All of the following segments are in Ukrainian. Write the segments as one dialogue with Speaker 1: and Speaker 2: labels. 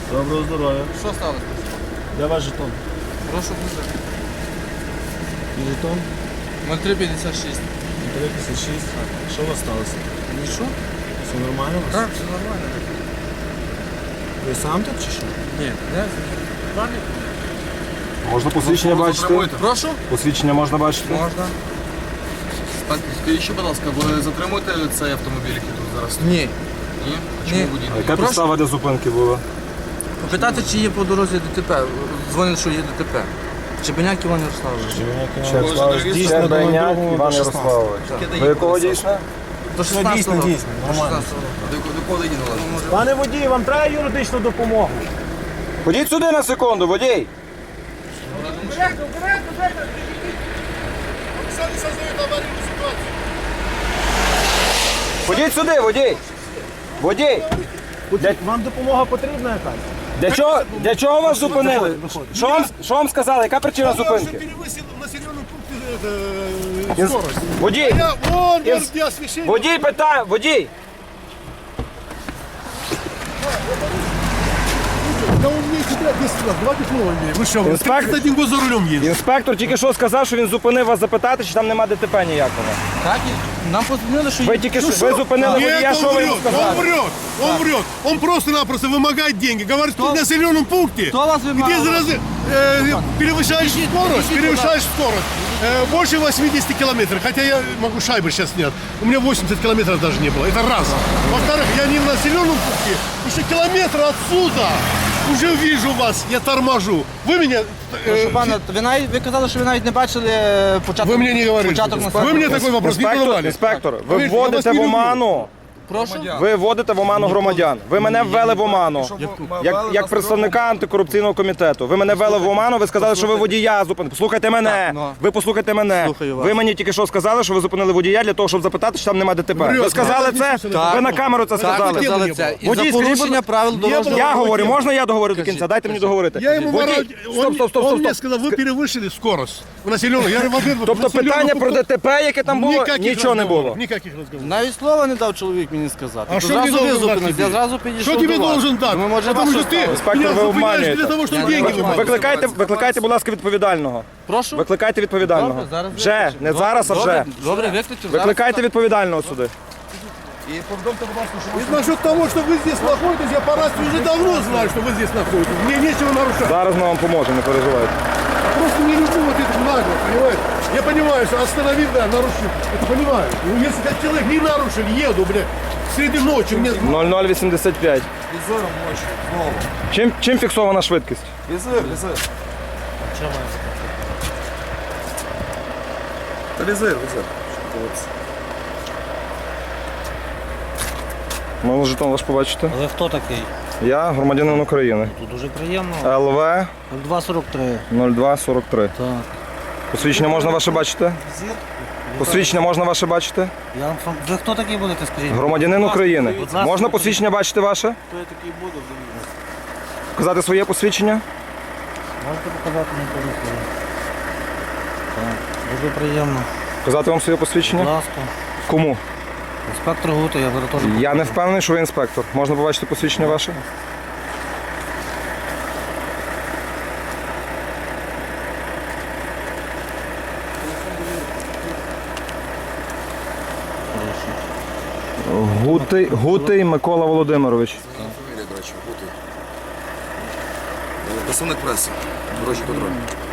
Speaker 1: Доброго здоров'я.
Speaker 2: Що сталося?
Speaker 1: Де ваш жетон?
Speaker 2: Прошу дуже.
Speaker 1: І жетон?
Speaker 2: 0356.
Speaker 1: 356. Що у вас сталося?
Speaker 2: Нічого?
Speaker 1: Все нормально у вас?
Speaker 2: Так, все нормально.
Speaker 1: Ви сам тут чи що?
Speaker 2: Ні, не знаю.
Speaker 3: Можна посвідчення бачити?
Speaker 2: Прошу?
Speaker 3: Посвідчення можна бачити?
Speaker 2: Можна.
Speaker 4: Так, скажіть ще, будь ласка, ви затримуєте цей автомобіль, який тут зараз стоїть?
Speaker 2: Ні.
Speaker 4: Ні?
Speaker 2: Ні.
Speaker 4: Чому водій?
Speaker 3: Яка підстава для зупинки була?
Speaker 2: Попитати, чи є по дорозі ДТП. Дзвонять, що є ДТП. Чебеняк Іван Ярославович.
Speaker 1: Дійсно, до
Speaker 3: Беняк
Speaker 1: другого
Speaker 3: Іван
Speaker 1: до 16.
Speaker 3: Ярославович. Ви якого дійсно?
Speaker 2: До 16
Speaker 1: дійсно,
Speaker 2: року.
Speaker 1: дійсно,
Speaker 2: До
Speaker 1: нормально.
Speaker 2: 16 року.
Speaker 4: До кого водій належить?
Speaker 1: Пане водій, вам треба юридичну допомогу?
Speaker 3: Ходіть сюди на секунду, водій. Ходіть сюди, водій. Водій.
Speaker 1: Вам допомога потрібна якась?
Speaker 3: Для чого вас зупинили? Що вам сказали? Яка причина зупинки?
Speaker 5: Перевысил в населенном пункте скорость.
Speaker 3: Водій.
Speaker 5: Вон, где освещение.
Speaker 3: Водій питає, водій.
Speaker 5: Да он мне тебя 10 раз, давайте снова мне. Вы что, вы
Speaker 3: Инспектор-
Speaker 5: 31 год за рулем едете?
Speaker 3: Інспектор тільки що сказав, що він зупинив вас запитати, чи там нема ДТП ніякого.
Speaker 2: Так, і нам подзвонили, що
Speaker 3: Ви
Speaker 2: є.
Speaker 3: тільки що ви зупинили водія,
Speaker 5: Нет,
Speaker 3: що
Speaker 5: он
Speaker 3: ви йому
Speaker 5: врет, он
Speaker 3: сказали?
Speaker 5: врет, он врет. Он просто-напросто вымогает деньги. Говорит, что в населенном пункте,
Speaker 2: Кто вас
Speaker 5: где
Speaker 2: вымогал?
Speaker 5: перевышаешь скорость,
Speaker 2: ищите
Speaker 5: перевышаешь скорость. Больше 80 километров, хотя я могу шайбы сейчас снять. У меня 80 километров даже не было, это раз. Во-вторых, я не в населенном пункте, еще километр отсюда. Уже вижу вас, я торможу. Вы меня...
Speaker 2: Прошу пана, ви казали, що ви навіть не бачили початок.
Speaker 5: Вы мне не говорите.
Speaker 2: Початок
Speaker 5: Вы мне такой вопрос не задавали.
Speaker 3: Інспектор, ви
Speaker 5: Поверьте, я вас
Speaker 3: вводите
Speaker 5: не
Speaker 3: в
Speaker 5: люблю.
Speaker 3: оману.
Speaker 2: Прошу.
Speaker 3: Ви вводите в оману громадян. Ви мене ввели в оману. Як представника антикорупційного комітету. Ви мене ввели в оману, ви сказали, що ви водія зупинили. Послухайте мене.
Speaker 2: Так, ну.
Speaker 3: Ви послухайте мене.
Speaker 2: Слухаю вас.
Speaker 3: Ви мені тільки що сказали, що ви зупинили водія для того, щоб запитати, чи там нема ДТП. Ви
Speaker 5: Врет.
Speaker 3: сказали це?
Speaker 5: Так.
Speaker 3: Ви на камеру це
Speaker 2: Так,
Speaker 3: сказали.
Speaker 2: сказали це. І
Speaker 3: Водій,
Speaker 2: за
Speaker 3: скажіть,
Speaker 2: порушення
Speaker 3: будь-
Speaker 2: правил дорожнього
Speaker 3: Я
Speaker 2: руху.
Speaker 3: говорю, можна я договорю до кінця? Дайте мені договорити.
Speaker 5: Я ему
Speaker 3: Водій,
Speaker 5: ворот, он мне сказал, вы перевышили скорость в населенном. Я говорю, во-первых, в
Speaker 3: Тобто
Speaker 5: населенном
Speaker 3: питання про
Speaker 5: пункту
Speaker 3: ДТП, яке там було,
Speaker 5: никаких
Speaker 3: нічого не
Speaker 5: разговоров,
Speaker 3: було.
Speaker 5: Никаких разговоров.
Speaker 2: Навіть слова не дав чоловік мені сказати.
Speaker 5: А
Speaker 2: То
Speaker 5: що
Speaker 2: зразу
Speaker 5: мені должен
Speaker 2: ви
Speaker 5: дати
Speaker 2: зупинились,
Speaker 5: тобі?
Speaker 2: я зразу підійшов
Speaker 5: Что
Speaker 2: до
Speaker 5: тебе
Speaker 2: вас.
Speaker 5: должен дать?
Speaker 2: Думаю, може,
Speaker 5: Потому
Speaker 2: вас
Speaker 5: что
Speaker 2: щось
Speaker 5: ты
Speaker 2: сталося.
Speaker 3: Інспектор,
Speaker 5: меня
Speaker 3: ви
Speaker 5: зупиняешь
Speaker 3: обманюєте.
Speaker 5: для того, чтобы
Speaker 2: Я
Speaker 5: деньги
Speaker 2: не
Speaker 5: вымогать.
Speaker 3: Викликайте, будь ласка, відповідального.
Speaker 2: Прошу.
Speaker 3: Викликайте відповідального.
Speaker 2: Добре, зараз
Speaker 3: Вже,
Speaker 2: викличу.
Speaker 3: не зараз, а вже.
Speaker 2: Добре, добре, викличу.
Speaker 3: Викликайте відповідального сюди.
Speaker 5: И насчет того, что вы здесь находитесь, я по рации уже давно знаю, что вы здесь находитесь. Мне нечего нарушать.
Speaker 3: Зараз ми вам поможемо, не переживайте.
Speaker 5: Просто не люблю вот это нагло, понимаете? Я понимаю, что остановил, да, нарушил. Это понимаю. Ну, если как человек не нарушил, еду, блядь, среди ночи, мне...
Speaker 3: 0085.
Speaker 4: Візором ночі, знову.
Speaker 3: Чим фіксована швидкість?
Speaker 4: Візир. Та візир.
Speaker 3: Можна жетон ваш побачити?
Speaker 6: Ви хто такий?
Speaker 3: Я громадянин України.
Speaker 6: Тут дуже приємно.
Speaker 3: ЛВ
Speaker 6: 243.
Speaker 3: 0243.
Speaker 6: Так.
Speaker 3: Посвідчення можна ваше бачити? Посвідчення можна ваше бачити?
Speaker 6: Ви хто такий будете, скажіть?
Speaker 3: Громадянин України.
Speaker 6: Будь ласка,
Speaker 3: Можна
Speaker 6: покажіть.
Speaker 3: посвідчення бачити ваше?
Speaker 6: Хто я такий буду?
Speaker 3: Показати своє посвідчення?
Speaker 6: Можете показати мені телефон? Так. Дуже приємно.
Speaker 3: Показати вам своє
Speaker 6: Будь
Speaker 3: посвідчення?
Speaker 6: ласка.
Speaker 3: Кому?
Speaker 6: Інспектор Гута, я зараз теж
Speaker 3: Я не впевнений, що ви інспектор. Можна побачити посвідчення ваше? Гутий Микола Володимирович.
Speaker 4: Фамілія, до речі, бути. Представник преси. Дорожній контроль.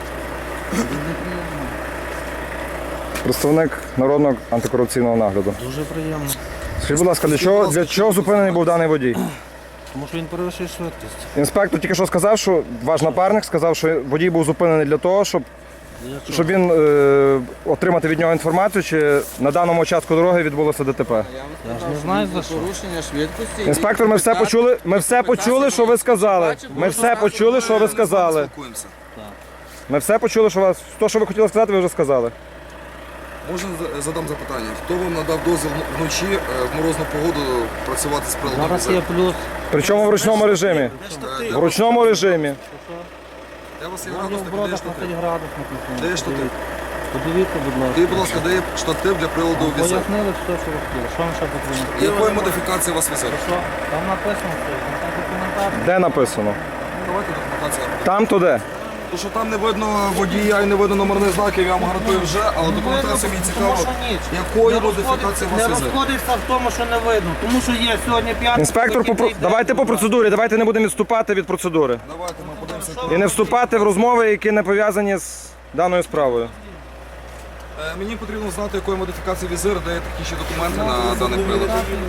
Speaker 3: Представник Народного антикорупційного нагляду.
Speaker 6: дуже приємно.
Speaker 3: Скажіть, будь ласка, для чого зупинений був даний водій?
Speaker 6: Тому що він перевищує швидкість.
Speaker 3: Інспектор тільки що сказав, що ваш напарник сказав, що водій був зупинений для того, щоб він отримати від нього інформацію, чи на даному участку дороги відбулося ДТП.
Speaker 6: Я ж не знаю за що.
Speaker 2: Порушення швидкості.
Speaker 3: Інспектор, ми все почули. Ми все почули, що ви сказали. Ми все почули, що ви сказали.
Speaker 4: Спілкуємося.
Speaker 3: Ми все почули, що вас то, що ви хотіли сказати, ви вже сказали.
Speaker 4: Можна задам запитання. Хто вам надав дозвіл вночі в морозну погоду працювати з приладом
Speaker 6: Зараз
Speaker 4: візир?
Speaker 6: є плюс.
Speaker 3: Причому в ручному режимі. В ручному режимі.
Speaker 4: Я вас є
Speaker 6: Там є
Speaker 4: градусник,
Speaker 6: в
Speaker 4: де є
Speaker 6: бродах на
Speaker 4: штатив?
Speaker 6: 5 градусів написано.
Speaker 4: Де є штатив?
Speaker 6: Подивіться, будь ласка.
Speaker 4: Скажіть, будь ласка, де є штатив для приладу візир?
Speaker 6: Пояснили все, що ви хотіли. Що вам ще потрібно?
Speaker 4: Якої модифікації у вас візир?
Speaker 6: Що? Там написано все. Там документація.
Speaker 3: Де написано?
Speaker 4: Давайте документація.
Speaker 3: Там то де?
Speaker 4: То, що там не видно водія і не видно номерних знаків, я вам гарантую вже, але документація мені цікаво, якої модифікації у
Speaker 6: Не
Speaker 4: вас везе.
Speaker 6: розходиться в тому, що не видно. Тому що є сьогодні п'ятий.
Speaker 3: Інспектор, давайте по процедурі, давайте не будемо відступати від процедури.
Speaker 4: Давайте ми подивимося.
Speaker 3: І не вступати в розмови, які не пов'язані з даною справою.
Speaker 4: Мені потрібно знати, якої модифікації візир, де є такі ще документи на даний прилад.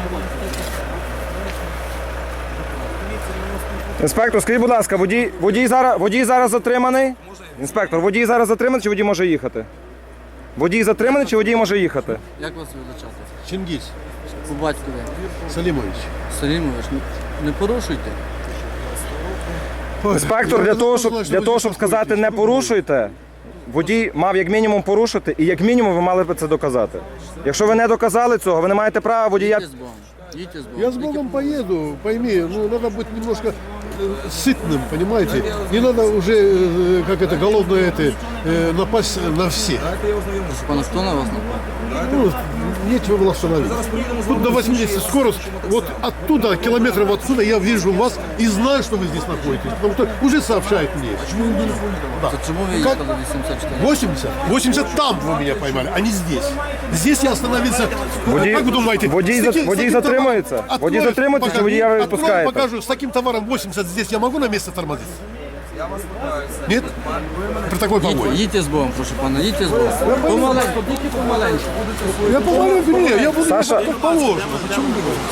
Speaker 3: Інспектор, скажіть, будь ласка, водій зараз затриманий? Інспектор, водій зараз затриманий чи водій може їхати? Водій затриманий чи водій може їхати?
Speaker 2: Як вас визначати?
Speaker 5: Чингис
Speaker 2: По батькові.
Speaker 5: Салимович.
Speaker 2: Салімович, не порушуйте.
Speaker 3: Інспектор, для того, щоб сказати не порушуйте, водій мав як мінімум порушити і як мінімум ви мали б це доказати. Якщо ви не доказали цього, ви не маєте права водія...
Speaker 2: Їдьте з Богом. Їдьте з Богом.
Speaker 5: Я с Богом поеду, пойми, ну надо быть немножко сытным, понимаете? Не надо уже, как это, голодное это, напасть на всех.
Speaker 2: Пане, хто на вас напав?
Speaker 5: Ну, нечего было остановиться. Тут до 80 скорость, вот оттуда, километров отсюда я вижу вас и знаю, что вы здесь находитесь. Потому что уже сообщают мне.
Speaker 2: Це чому ви
Speaker 5: Как?
Speaker 2: їхали 84?
Speaker 5: 80? 80 там вы меня поймали, а не здесь. Здесь я остановился. Как вы думаете?
Speaker 3: водій
Speaker 5: с таким
Speaker 3: затримується?
Speaker 5: товаром-
Speaker 3: Водій
Speaker 5: Открою,
Speaker 3: затримується чи
Speaker 5: покажу,
Speaker 3: водія ви
Speaker 5: открою,
Speaker 3: відпускаєте?
Speaker 5: покажу, с таким товаром 80 здесь я могу на месте тормозить? Нет? При такой погоде.
Speaker 2: Їдьте з Богом, прошу пана, їдьте з Богом. Помаленьку, тільки помаленьку.
Speaker 5: Я помаленьку, не, я буду
Speaker 3: Саша.
Speaker 5: как положено. Почему не буду?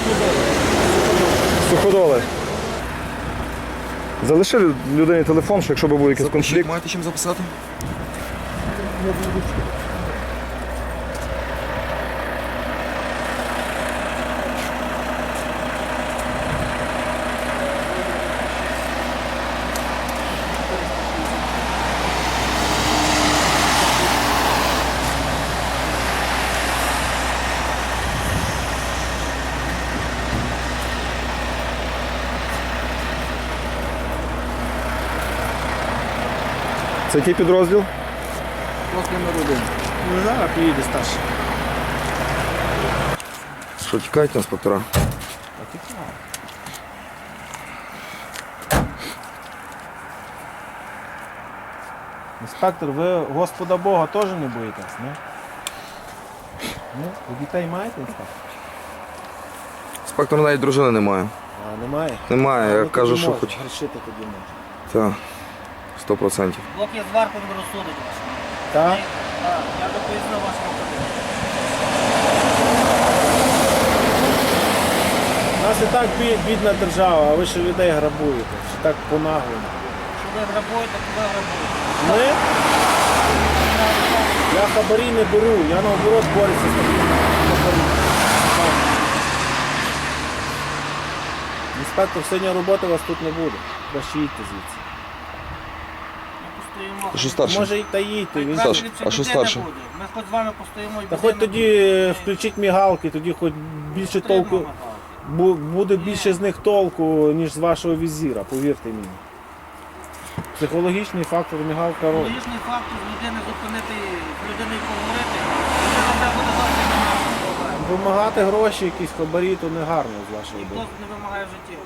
Speaker 3: Суходоли. Залиши людині телефон, що якщо б був якийсь конфлікт.
Speaker 4: Маєте чим записати?
Speaker 3: Це який підрозділ?
Speaker 2: Просто номер 1.
Speaker 1: Ну, зараз поїде старший.
Speaker 4: Що, тікають інспектора?
Speaker 1: Інспектор, ви Господа Бога теж не боїтесь, не? Ну, ви дітей маєте, інспектор?
Speaker 4: Інспектора навіть дружини немає.
Speaker 1: А, немає?
Speaker 4: Немає, я
Speaker 1: Ну,
Speaker 4: кажу,
Speaker 1: тоді
Speaker 4: що
Speaker 1: можна,
Speaker 4: хоч.
Speaker 1: грішити тоді можна.
Speaker 4: Так, 100%.
Speaker 6: Блок є зверху, не розсудить вас.
Speaker 1: Так?
Speaker 6: Так, я би пояснив вашому колегу.
Speaker 1: У нас і так бідна держава, а ви ще людей грабуєте. Ще так по-наглому.
Speaker 6: Що ви грабуєте, то ви грабуєте.
Speaker 1: Ми? Я хабарі не беру, я наоборот борюся з такими хабарі. Інспектор, сьогодні роботи у вас тут не буде. Краще їдьте звідси.
Speaker 6: Ми постоїмо.
Speaker 4: Що старше?
Speaker 1: Може та їдьте. Він...
Speaker 4: Саш,
Speaker 6: Ліпше
Speaker 4: а що
Speaker 6: людини
Speaker 4: старше?
Speaker 6: буде. Ми хоч з вами постоїмо і
Speaker 1: Та хоч
Speaker 6: людини
Speaker 1: тоді включіть мігалки, тоді хоч більше
Speaker 6: Потрібно
Speaker 1: толку.
Speaker 6: мигати.
Speaker 1: Буде більше з них толку, ніж з вашого візіра, повірте мені. Психологічний фактор мігалка робить.
Speaker 6: Логічний факт з людини зупинити, з людиною поговорити, людина треба буде зовсім проблем.
Speaker 1: Вимагати гроші, якісь хабарі, то не гарно з вашої
Speaker 6: Ніхто
Speaker 1: боку.
Speaker 6: не вимагає в житті.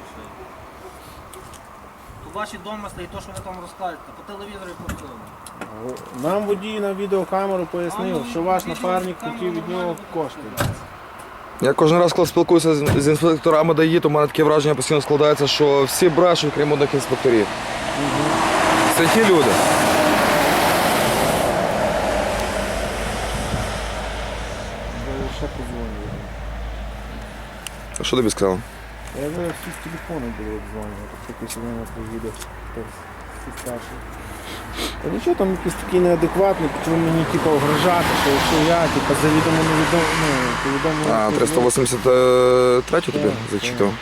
Speaker 6: То ваші домисли і то, що ви там розкажете, по телевізору і по всьому.
Speaker 1: Нам водій на відеокамеру пояснив, що ваш напарник хотів від нього кошти.
Speaker 4: Я кожен раз, коли спілкуюся з інспекторами ДАІ, то в мене таке враження постійно складається, що всі брешуть, крім одних інспекторів. Це ті люди.
Speaker 1: Ще подзвонив.
Speaker 4: А що тобі сказав?
Speaker 1: Я вже всі з телефону були обдзвонювати, такий сьогодні приїде хтось старший. Та нічого, там якісь такі неадекватні, почали мені типу угрожати, що якщо я типу, завідомо невідомо, повідомлю.
Speaker 4: А, 383 тобі
Speaker 1: Так,
Speaker 4: зачитав?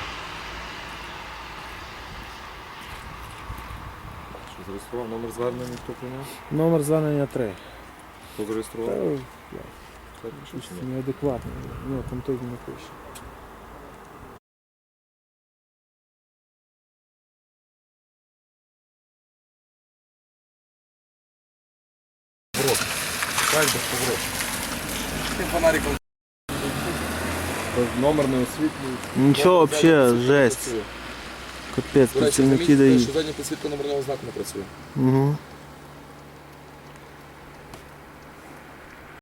Speaker 7: Зареєстрував номер звернення, хто прийняв?
Speaker 1: Номер звернення 3.
Speaker 7: Хто зареєстрував?
Speaker 1: Неадекватний, ну там той не пише.
Speaker 7: Номер не освітлюється.
Speaker 1: Нічого, взагалі, жесть. Капець,
Speaker 4: До речі,
Speaker 1: працівники
Speaker 4: замітьте,
Speaker 1: дають.
Speaker 4: що задня підсвітка номерного знаку не працює.
Speaker 1: Угу.